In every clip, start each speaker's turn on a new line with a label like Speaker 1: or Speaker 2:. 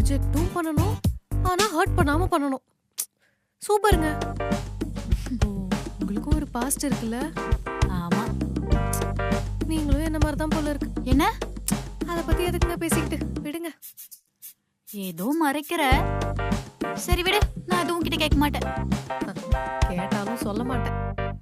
Speaker 1: ரிஜெக்ட்டும் பண்ணணும், ஆனா ஹர்ட் பண்ணாம பண்ணணும். சூப்பருங்க. உங்களுக்கும் ஒரு பாஸ்ட் இருக்குல்ல?
Speaker 2: ஆமா.
Speaker 1: நீங்களும் என்ன மாதிரி தான் போல இருக்கு.
Speaker 2: என்ன?
Speaker 1: அதை பத்தி எதுக்குங்க பேசிக்கிட்டு, விடுங்க.
Speaker 2: ஏதோ மறைக்கிற. சரி விடு, நான் எதுவும் கிட்ட கேட்க மாட்டேன்.
Speaker 1: கேட்டாலும் சொல்ல மாட்டேன்.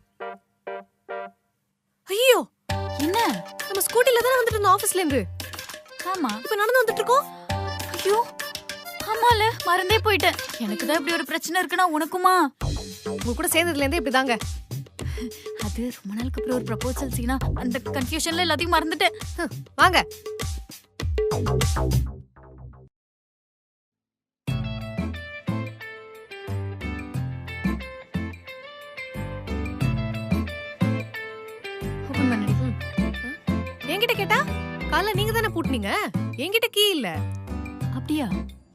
Speaker 1: ஐயோ,
Speaker 2: என்ன?
Speaker 1: நம்ம ஸ்கூட்டில தானே வந்துட்டு இருந்தோம் ஆபீஸ்ல இருந்து.
Speaker 2: ஆமா.
Speaker 1: இப்ப நடந்து வந்துட்டு இருக்கோம்.
Speaker 2: ஐயோ, ஆமால, மறந்தே போயிட்டேன். எனக்கு தான் இப்படி ஒரு பிரச்சனை இருக்குன்னா உனக்குமா?
Speaker 1: உங்க கூட சேர்ந்ததுல இருந்தே இப்படிதாங்க.
Speaker 2: அது ரொம்ப நாளுக்கு அப்புறம் ஒரு ப்ரப்போசல் சீனா, அந்த கன்ஃபியூஷன்ல எல்லாத்தையும் மறந்துட்டேன்.
Speaker 1: வாங்க.
Speaker 2: ஓபன் பண்ணடி.
Speaker 1: என்கிட்ட கேட்டா காலைல நீங்க தானே பூட்டினீங்க, என்கிட்ட கீ இல்ல.
Speaker 2: அப்படியா?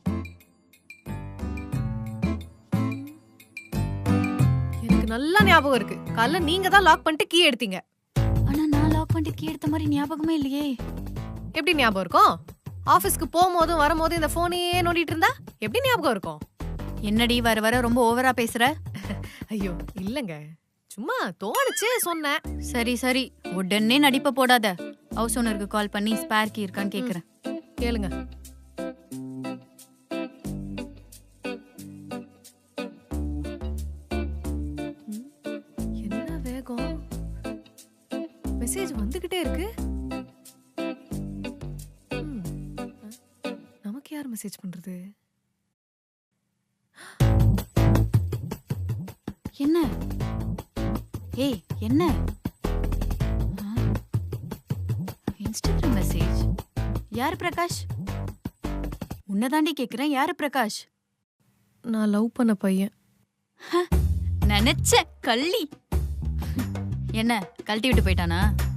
Speaker 1: எனக்கு நல்லா ஞாபகம் இருக்கு, காலைல நீங்க தான் லாக் பண்ணிட்டு கீ எடுத்தீங்க.
Speaker 2: ஆனா நான் லாக் பண்ணிட்டு கீ எடுத்த மாதிரி ஞாபகமே இல்லையே.
Speaker 1: எப்படி ஞாபகம் இருக்கும்? ஆபீஸ்க்கு போகும்போதும் வரும்போது இந்த போனையே நோண்டிட்டு இருந்தா எப்படி ஞாபகம் இருக்கும்?
Speaker 2: என்னடி வர வர ரொம்ப ஓவரா பேசுற?
Speaker 1: ஐயோ இல்லங்க, சும்மா தோணுச்சு சொன்னேன்.
Speaker 2: சரி சரி, உடனே நடிப்ப போடாத. ஹவுஸ் ஓனருக்கு கால் பண்ணி ஸ்பேர் கீ இருக்கான்னு கேக்குறேன்.
Speaker 1: கேளுங்க. என்ன வேகம், மெசேஜ் வந்துகிட்டே இருக்கு. நமக்கு யார் மெசேஜ் பண்றது?
Speaker 2: என்ன? ஏய் என்ன? Instagram message. யாரு பிரகாஷ்? உன்னதாண்டி கேக்குறேன், யாரு பிரகாஷ்?
Speaker 1: நான் லவ் பண்ண பையன்.
Speaker 2: நினைச்ச கள்ளி. என்ன கழட்டி விட்டு போயிட்டானா?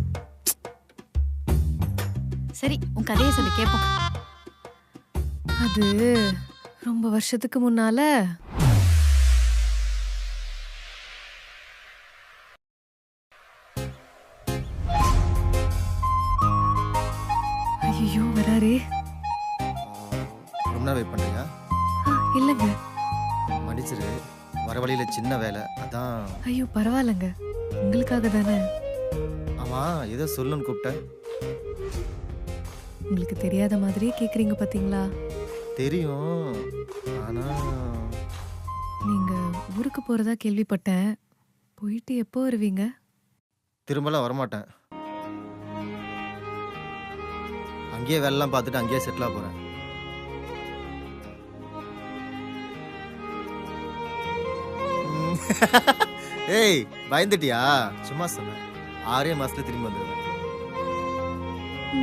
Speaker 2: சரி, உன் கதையை சொல்லி கேப்போம்.
Speaker 1: அது ரொம்ப வருஷத்துக்கு முன்னால ஐயோ வராரே.
Speaker 3: ரொம்ப நேரம் வெயிட் பண்ணுறியா?
Speaker 1: இல்லைங்க.
Speaker 3: மன்னிச்சிரு, வர வழியில் சின்ன வேலை அதான்.
Speaker 1: ஐயோ பரவாயில்லைங்க, உங்களுக்காக தானே.
Speaker 3: ஆமாம், ஏதோ சொல்லுன்னு கூப்பிட்டேன்.
Speaker 1: உங்களுக்கு தெரியாத மாதிரியே கேக்குறீங்க பாத்தீங்களா?
Speaker 3: தெரியும், ஆனால்
Speaker 1: நீங்க ஊருக்கு போறதா கேள்விப்பட்டேன். போயிட்டு எப்போ வருவீங்க?
Speaker 3: திரும்பலாம் வரமாட்டேன். அங்கேயே வேலைலாம் பார்த்துட்டு அங்கேயே செட்டிலாக போகிறேன். ஏய் பயந்துட்டியா? சும்மா சொன்னேன். 6 மாசத்துல திரும்பி வந்துடுவேன்.